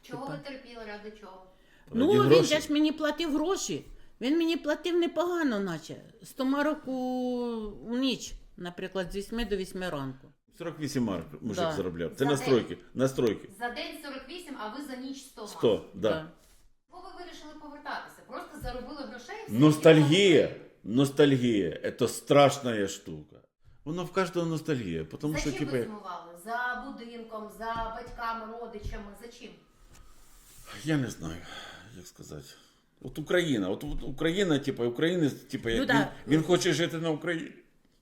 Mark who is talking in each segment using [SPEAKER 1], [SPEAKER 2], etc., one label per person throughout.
[SPEAKER 1] Чого ви терпіли, ради чого?
[SPEAKER 2] Ну,
[SPEAKER 3] Раді
[SPEAKER 2] він
[SPEAKER 3] грошей.
[SPEAKER 2] же ж мені платив гроші. Він мені платив непогано, наче. 100 марок у ніч, наприклад, з 8 до 8 ранку.
[SPEAKER 3] 48 марок мужик
[SPEAKER 2] Да.
[SPEAKER 3] заробляв. Це
[SPEAKER 1] За
[SPEAKER 3] настройки. Настройки.
[SPEAKER 1] За день 48, а ви за ніч 100 мали.
[SPEAKER 3] 100, да.
[SPEAKER 2] Да.
[SPEAKER 1] Чого ви вирішили повертатися? Просто заробили грошей? і все,
[SPEAKER 3] Ностальгія. Ностальгія. Это страшная штука. Воно в кожного ностальгія. Тому
[SPEAKER 1] За
[SPEAKER 3] що,
[SPEAKER 1] чим
[SPEAKER 3] типу,
[SPEAKER 1] ви сумували? За будинком, за батьками, родичами, за чим?
[SPEAKER 3] я не знаю, як сказати. От Україна, от Україна, типу, українець, типу, як
[SPEAKER 2] Ну, да.
[SPEAKER 3] він хоче жити на Україні.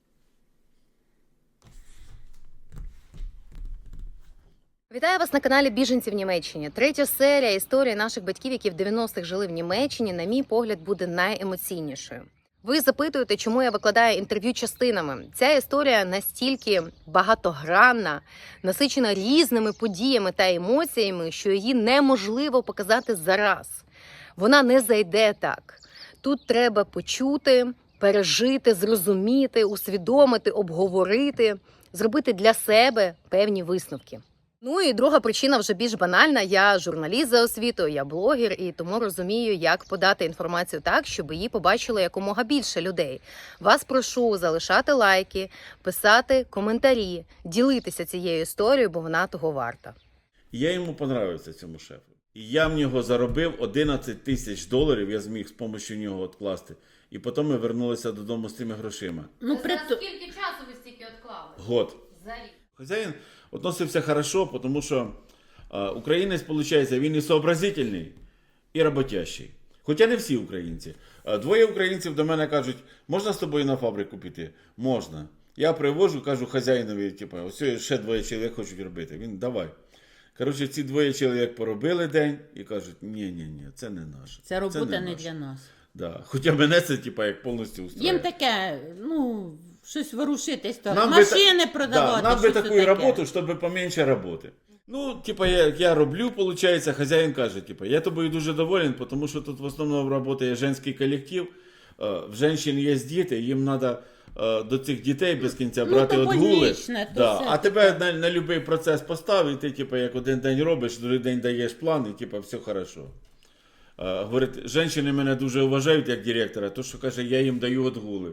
[SPEAKER 1] Вітаю вас на каналі Біженці в Німеччині. Третя серія історії наших батьків, які в 90-х жили в Німеччині, на мій погляд, буде найемоційнішою. Ви запитуєте, чому я викладаю інтерв'ю частинами. Ця історія настільки багатогранна, насичена різними подіями та емоціями, що її неможливо показати зараз. Вона не зайде так. Тут треба почути, пережити, зрозуміти, усвідомити, обговорити, зробити для себе певні висновки. Ну і друга причина вже більш банальна. Я журналіст за освітою, я блогер, і тому розумію, як подати інформацію так, щоб її побачило якомога більше людей. Вас прошу залишати лайки, писати коментарі, ділитися цією історією, бо вона того варта.
[SPEAKER 3] Я йому понравився, цьому шефу. І я в нього заробив 11 тисяч доларів, я зміг з допомогою нього відкласти. І потім ми вернулися додому з тими грошима.
[SPEAKER 2] Ну,
[SPEAKER 1] Скільки часу ви стільки відклали?
[SPEAKER 3] Год.
[SPEAKER 1] За рік.
[SPEAKER 3] Хазяїн відносився хорошо, тому що українець, виходить, він і сообразительний, і роботящий. Хоча не всі українці. Двоє українців до мене кажуть, можна з тобою на фабрику піти? Можна. Я привожу, кажу хазяїнові, типу, ось ще двоє чоловік хочуть робити. Він, давай. Коротше, ці двоє чоловік поробили день і кажуть, ні, це не наше.
[SPEAKER 2] Це робота не
[SPEAKER 3] наше.
[SPEAKER 2] для нас.
[SPEAKER 3] Да. Хоча мене це, типу, як повністю устроює.
[SPEAKER 2] Їм таке, ну, щось ворушитись, то
[SPEAKER 3] Нам би
[SPEAKER 2] машини
[SPEAKER 3] та-
[SPEAKER 2] продавати.
[SPEAKER 3] Да, нам би
[SPEAKER 2] щось
[SPEAKER 3] таку
[SPEAKER 2] таке.
[SPEAKER 3] роботу, щоб поменше роботи. Ну, типа, я роблю, виходить, хазяїн каже, типа, я тобою дуже доволен, тому що тут в основному працює жінський колектив, в жінок є діти, їм треба до цих дітей без кінця
[SPEAKER 2] Ну,
[SPEAKER 3] брати
[SPEAKER 2] то
[SPEAKER 3] відгули.
[SPEAKER 2] больничне, то
[SPEAKER 3] Да.
[SPEAKER 2] все
[SPEAKER 3] А
[SPEAKER 2] таке.
[SPEAKER 3] тебе на будь-який процес поставить, ти, типа, як один день робиш, другий день даєш план, і типа, все хорошо. Говорить, жінки мене дуже вважають як директора, то що каже, я їм даю відгули.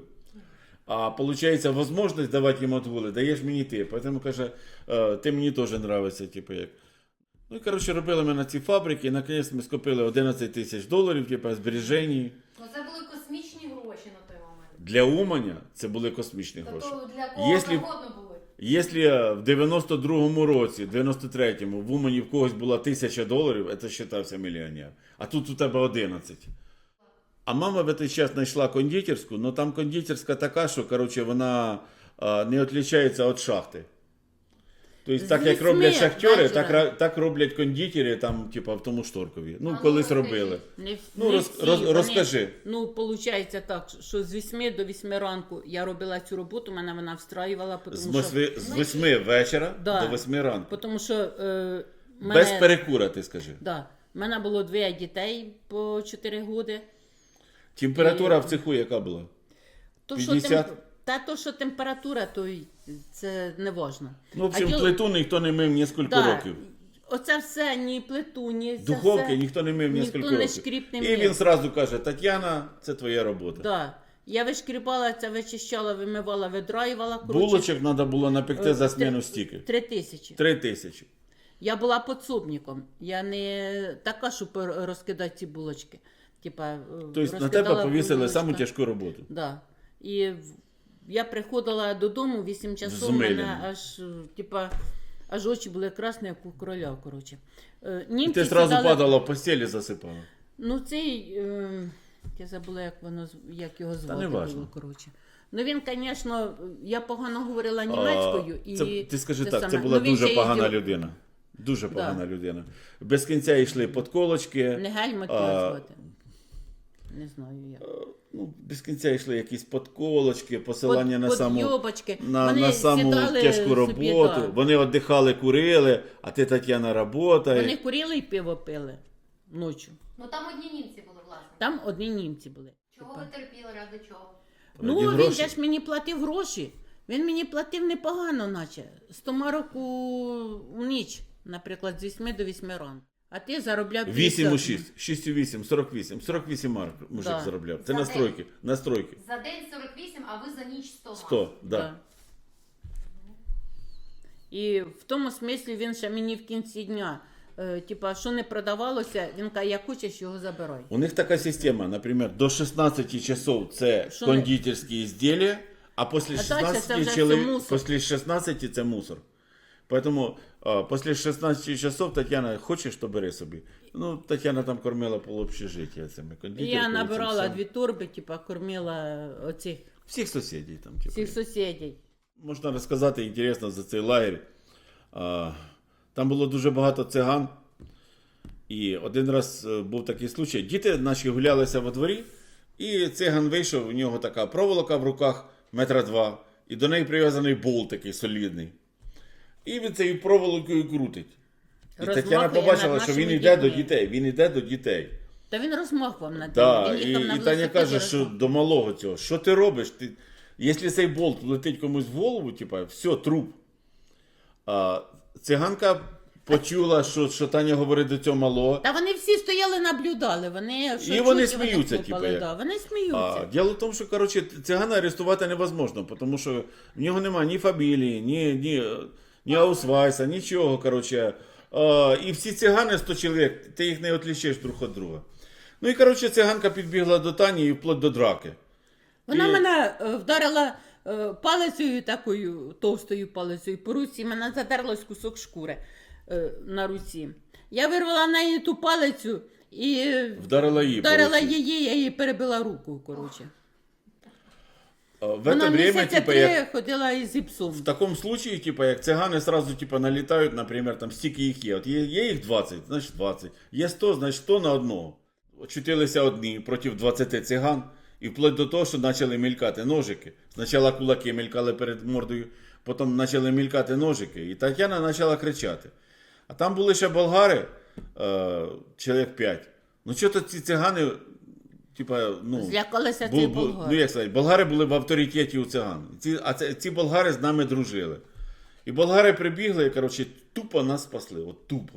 [SPEAKER 3] А виходить, можливість давати їм відгули, даєш мені ти. Тому каже, ти мені теж подобається, типу як. Ну і коротше, робили ми на ці фабрики, і наконець ми скопили 11 тисяч доларів, типу, збережень.
[SPEAKER 1] Ну це були космічні гроші на той момент.
[SPEAKER 3] Для Уманя це були космічні гроші.
[SPEAKER 1] Тобто для кого
[SPEAKER 3] Якщо-
[SPEAKER 1] завгодно були.
[SPEAKER 3] Якщо в 92-му році, 93-му, в Умані в когось була 1000 доларів, це вважався мільйонер. А тут у тебе 11. А мама в цей час знайшла кондитерську, але там кондитерська така, що, коротше, вона не відрізняється від шахти. Тобто, так як
[SPEAKER 2] Звісьми,
[SPEAKER 3] роблять шахтери,
[SPEAKER 2] бачила.
[SPEAKER 3] так роблять кондитери там, типу, в тому Шторкові. Ну,
[SPEAKER 1] ну,
[SPEAKER 3] колись
[SPEAKER 1] розкажіть.
[SPEAKER 3] робили. Ну,
[SPEAKER 2] Не
[SPEAKER 3] роз-
[SPEAKER 2] всі,
[SPEAKER 3] роз-
[SPEAKER 2] вони-
[SPEAKER 3] розкажи.
[SPEAKER 2] Ну, виходить так, що з 8 до 8 ранку я робила цю роботу, мене вона встраювала,
[SPEAKER 3] З
[SPEAKER 2] тому що...
[SPEAKER 3] 8 вечора
[SPEAKER 2] Да.
[SPEAKER 3] до 8 ранку.
[SPEAKER 2] Тому що
[SPEAKER 3] Без перекура, ти скажи.
[SPEAKER 2] Да. У мене було 2 дітей по 4 роки.
[SPEAKER 3] Температура в цеху яка була?
[SPEAKER 2] То,
[SPEAKER 3] 50?
[SPEAKER 2] то, що температура, то й це не важно.
[SPEAKER 3] Ну, в общем,
[SPEAKER 2] А
[SPEAKER 3] плиту ніхто не мив ні
[SPEAKER 2] да,
[SPEAKER 3] років.
[SPEAKER 2] оце все, ні плиту, ні це
[SPEAKER 3] Духовки
[SPEAKER 2] все,
[SPEAKER 3] ніхто не мив
[SPEAKER 2] ніхто
[SPEAKER 3] ні
[SPEAKER 2] не
[SPEAKER 3] років.
[SPEAKER 2] шкріп не
[SPEAKER 3] І
[SPEAKER 2] мив.
[SPEAKER 3] він сразу каже, Тетяна, це твоя робота.
[SPEAKER 2] Да. Я вишкрібала це, вичищала, вимивала, видраювала.
[SPEAKER 3] Булочок треба було напекти за зміну стільки.
[SPEAKER 2] 3000.
[SPEAKER 3] 3000.
[SPEAKER 2] Я була підсобником. Я не така, щоб розкидати ці булочки. Типа,
[SPEAKER 3] Тобто на тебе повісили саму тяжку роботу.
[SPEAKER 2] Да. І я приходила додому 8 часов,
[SPEAKER 3] Взмилена.
[SPEAKER 2] мене аж, типа, аж очі були красні, як у короля, коротше.
[SPEAKER 3] І
[SPEAKER 2] Німці
[SPEAKER 3] ти одразу
[SPEAKER 2] сідали-
[SPEAKER 3] падала в постелі, засипала.
[SPEAKER 2] Ну, цей, я забула, як його звати
[SPEAKER 3] не важно.
[SPEAKER 2] було, коротше. Ну, він, звісно, я погано говорила німецькою.
[SPEAKER 3] Ти скажи так, це
[SPEAKER 2] саме.
[SPEAKER 3] була
[SPEAKER 2] Ну, він
[SPEAKER 3] дуже
[SPEAKER 2] ще
[SPEAKER 3] погана
[SPEAKER 2] їздив-
[SPEAKER 3] людина. Дуже погана людина. Без кінця йшли подколочки.
[SPEAKER 2] Не Гельмут
[SPEAKER 3] А,
[SPEAKER 2] його звати. Не знаю як.
[SPEAKER 3] Ну, без кінця йшли якісь подколочки, посилання на саму,
[SPEAKER 2] Подйобочки.
[SPEAKER 3] на
[SPEAKER 2] Вони
[SPEAKER 3] саму
[SPEAKER 2] сідали
[SPEAKER 3] тяжку
[SPEAKER 2] собі,
[SPEAKER 3] роботу.
[SPEAKER 2] да.
[SPEAKER 3] Вони віддихали, курили, а ти, Тетяна, работає.
[SPEAKER 2] Вони курили і пиво пили ночі.
[SPEAKER 1] Ну там одні німці були, власне.
[SPEAKER 2] Там одні німці були.
[SPEAKER 1] Чого ви терпіли, ради чого?
[SPEAKER 2] Ну,
[SPEAKER 3] Раді
[SPEAKER 2] він
[SPEAKER 3] грошей.
[SPEAKER 2] же ж мені платив гроші. Він мені платив непогано, наче. 100 марок у ніч, наприклад, з 8 до 8 ранку. А ти заробляв
[SPEAKER 3] 8,6, 6,8, 48. 48 марок мужик
[SPEAKER 2] Да.
[SPEAKER 3] заробляв. Це
[SPEAKER 1] За
[SPEAKER 3] настройки. Настройки.
[SPEAKER 1] За день 48, а ви за ніч 100.
[SPEAKER 3] 100, да.
[SPEAKER 2] Да. І в тому смислі він ще мені в кінці дня, типа, що не продавалося, він каже, як хочеш, його забирай.
[SPEAKER 3] У них така система, наприклад, до 16 часов це
[SPEAKER 2] Що
[SPEAKER 3] кондитерські ізделия, а після
[SPEAKER 2] А дальше це
[SPEAKER 3] 16
[SPEAKER 2] вже все мусор.
[SPEAKER 3] після 16 це мусор. Поэтому після 16 часов Тетяна, хочеш, то бери собі. Ну, Тетяна там кормила полуобщежиття цими
[SPEAKER 2] І
[SPEAKER 3] кондитерками.
[SPEAKER 2] я набирала
[SPEAKER 3] цим всім.
[SPEAKER 2] 2 торби, типа, кормила оцих
[SPEAKER 3] Всіх сусідів там. Типу.
[SPEAKER 2] всіх сусідів.
[SPEAKER 3] Можна розказати інтересно за цей лагерь. Там було дуже багато циган. І один раз був такий случай. Діти наші гулялися во дворі, і циган вийшов, у нього така проволока в руках, 2 метри, і до неї прив'язаний болт такий солідний. І він цією проволокою крутить. І
[SPEAKER 2] Розмахує
[SPEAKER 3] Тетяна побачила,
[SPEAKER 2] над
[SPEAKER 3] що він
[SPEAKER 2] нашими
[SPEAKER 3] йде до
[SPEAKER 2] дітьми.
[SPEAKER 3] дітей. Він йде до дітей.
[SPEAKER 2] Та він розмахував над
[SPEAKER 3] Да,
[SPEAKER 2] ним. Він їхав на
[SPEAKER 3] і Таня
[SPEAKER 2] велосипеді,
[SPEAKER 3] каже, що
[SPEAKER 2] розмахував.
[SPEAKER 3] до малого цього, що ти робиш? Якщо цей болт летить комусь в голову, типа, все, труп. Циганка почула, що Таня говорить до цього малого.
[SPEAKER 2] Та вони всі стояли, наблюдали. Вони, що
[SPEAKER 3] І вони
[SPEAKER 2] чуть,
[SPEAKER 3] сміються,
[SPEAKER 2] хлопали,
[SPEAKER 3] типу, як.
[SPEAKER 2] да, вони сміються.
[SPEAKER 3] Діло в тому, що коротше, цигана арестувати невозможно, тому що в нього немає ні фамілії, ні аусвайса, нічого. Коротше. І всі цигани 100 чоловік, ти їх не відлічиш друг від друга. Ну і коротше, циганка підбігла до Тані і вплоть до драки.
[SPEAKER 2] Вона
[SPEAKER 3] І-
[SPEAKER 2] мене вдарила палицею такою, товстою палицею по руці, мене задерлось кусок шкури на руці. Я вирвала в неї ту палицю і
[SPEAKER 3] Вдарила її. по
[SPEAKER 2] вдарила
[SPEAKER 3] руці.
[SPEAKER 2] її, я їй перебила руку, коротше.
[SPEAKER 3] В
[SPEAKER 2] Вона
[SPEAKER 3] это время,
[SPEAKER 2] місяця
[SPEAKER 3] типа,
[SPEAKER 2] 3
[SPEAKER 3] як,
[SPEAKER 2] ходила із гіпсом.
[SPEAKER 3] в такому случае, типа, як цигани сразу типа, налітають, наприклад, там стільки їх є. От є їх 20, значить 20. Є 100, значить 100 на одного. Очутилися одні проти 20 циган. І вплоть до того, що почали мількати ножики. Спочатку кулаки мількали перед мордою, потім почали мількати ножики. І Тетяна почала кричати. А там були ще болгари, чоловік 5. Ну, що то ці цигани, типа, ну...
[SPEAKER 2] Злякалися цих болгар.
[SPEAKER 3] Ну, як сказати, болгари були в авторитеті у циган. Ці болгари з нами дружили. І болгари прибігли і, коротше, тупо нас спасли. От тупо.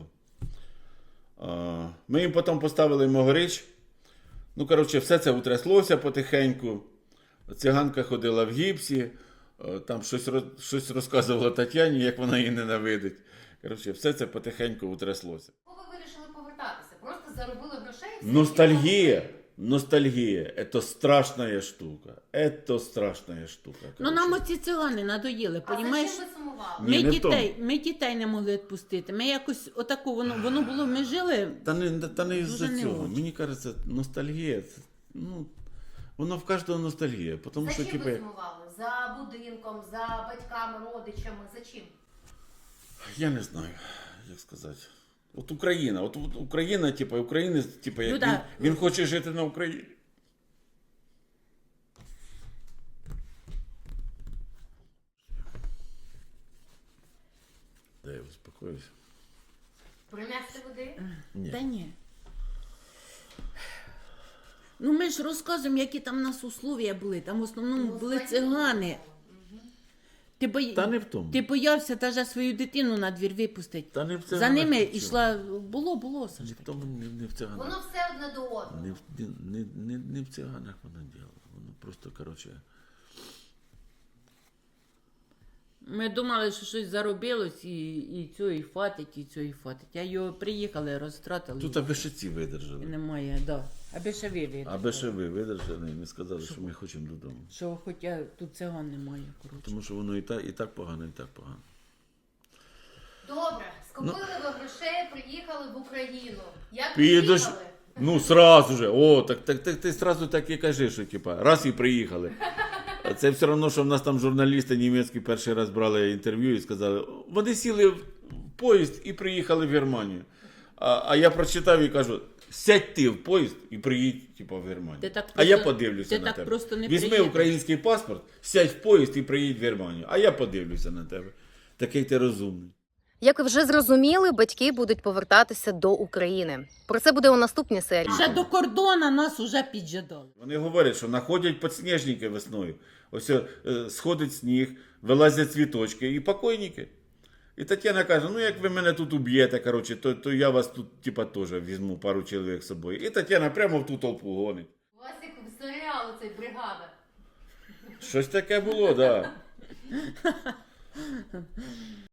[SPEAKER 3] Ми їм потім поставили могорич. Ну, коротше, все це утряслося потихеньку. Циганка ходила в гіпсі. Там щось розказувала Тетяні, як вона її ненавидить. Коротше, все це потихеньку утряслося.
[SPEAKER 1] Ви вирішили повертатися? Просто заробили грошей? і все,
[SPEAKER 3] Ностальгия. Ностальгия. Это страшная штука. Это страшная штука.
[SPEAKER 2] Ну нам оці цигани надоїли,
[SPEAKER 1] А за
[SPEAKER 2] понімаєш?
[SPEAKER 1] чим ви сумували?
[SPEAKER 3] Ні, не
[SPEAKER 2] Ми дітей не могли відпустити. Ми якось отаку, воно було, ми жили.
[SPEAKER 3] Та не із-за
[SPEAKER 2] Дуже не
[SPEAKER 3] цього.
[SPEAKER 2] очень.
[SPEAKER 3] Мені кажеться, ностальгія, це, ну, воно в кожного ностальгія. Тому
[SPEAKER 1] За
[SPEAKER 3] що,
[SPEAKER 1] чим
[SPEAKER 3] типу,
[SPEAKER 1] ви сумували? За будинком, за батьками, родичами, за чим?
[SPEAKER 3] я не знаю, як сказати. От Україна, типу, українець, типу, як
[SPEAKER 2] Люда,
[SPEAKER 3] він хоче жити на Україні. Дай я успокоюсь.
[SPEAKER 1] Принести води?
[SPEAKER 3] Ні.
[SPEAKER 2] Та ні. Ну ми ж розказуємо, які там у нас условия були. Там в основному були цигани.
[SPEAKER 3] Та не в тому.
[SPEAKER 2] Ти боявся навіть свою дитину на двір випустити.
[SPEAKER 3] Та не в
[SPEAKER 2] За
[SPEAKER 3] циганах
[SPEAKER 2] ними
[SPEAKER 3] нічого.
[SPEAKER 2] йшла, було
[SPEAKER 3] Не
[SPEAKER 2] Сашка.
[SPEAKER 3] в тому, не в циганах.
[SPEAKER 1] Воно все одне до одного.
[SPEAKER 3] Не в циганах воно діло. Воно просто, коротше.
[SPEAKER 2] Ми думали, що щось заробилось і цього і хватить, і цього і хватить. А його приїхали, розтратили.
[SPEAKER 3] Тут аби ще ці видержали.
[SPEAKER 2] І немає, да. Аби ще вивели.
[SPEAKER 3] Аби ще ви видержали і не сказали, що ми хочемо додому.
[SPEAKER 2] Що хоча тут циган немає, коротше.
[SPEAKER 3] Тому що воно і так погано, і так погано.
[SPEAKER 1] Добре, скупили ви грошей, приїхали в Україну. Як
[SPEAKER 3] Підеш.
[SPEAKER 1] приїхали?
[SPEAKER 3] Ну, сразу же. О, так ти сразу так і кажи, що типа, раз і приїхали. А це все одно, що в нас там журналісти німецькі перший раз брали інтерв'ю і сказали, вони сіли в поїзд і приїхали в Германію. А я прочитав і кажу, сядь ти в поїзд і приїдь типу, в Германію.
[SPEAKER 2] Ти так
[SPEAKER 3] А я
[SPEAKER 2] просто-
[SPEAKER 3] подивлюся
[SPEAKER 2] ти
[SPEAKER 3] на
[SPEAKER 2] так
[SPEAKER 3] тебе.
[SPEAKER 2] просто не
[SPEAKER 3] Візьми
[SPEAKER 2] приїдеш.
[SPEAKER 3] український паспорт, сядь в поїзд і приїдь в Германію. А я подивлюся на тебе. Такий ти розумний.
[SPEAKER 1] Як ви вже зрозуміли, батьки будуть повертатися до України. Про це буде у наступній серії.
[SPEAKER 2] Ще до кордону нас уже піджадали.
[SPEAKER 3] Вони говорять, що знаходять підсніжники весною. Ось сходить сніг, вилазять цвіточки і покойники. І Тетяна каже, ну як ви мене тут уб'єте, коротше, то я вас тут, типа, теж візьму пару чоловік з собою. І Тетяна прямо в ту толпу гонить.
[SPEAKER 1] У вас як в серіалу цей бригада.
[SPEAKER 3] Щось таке було, так. Да.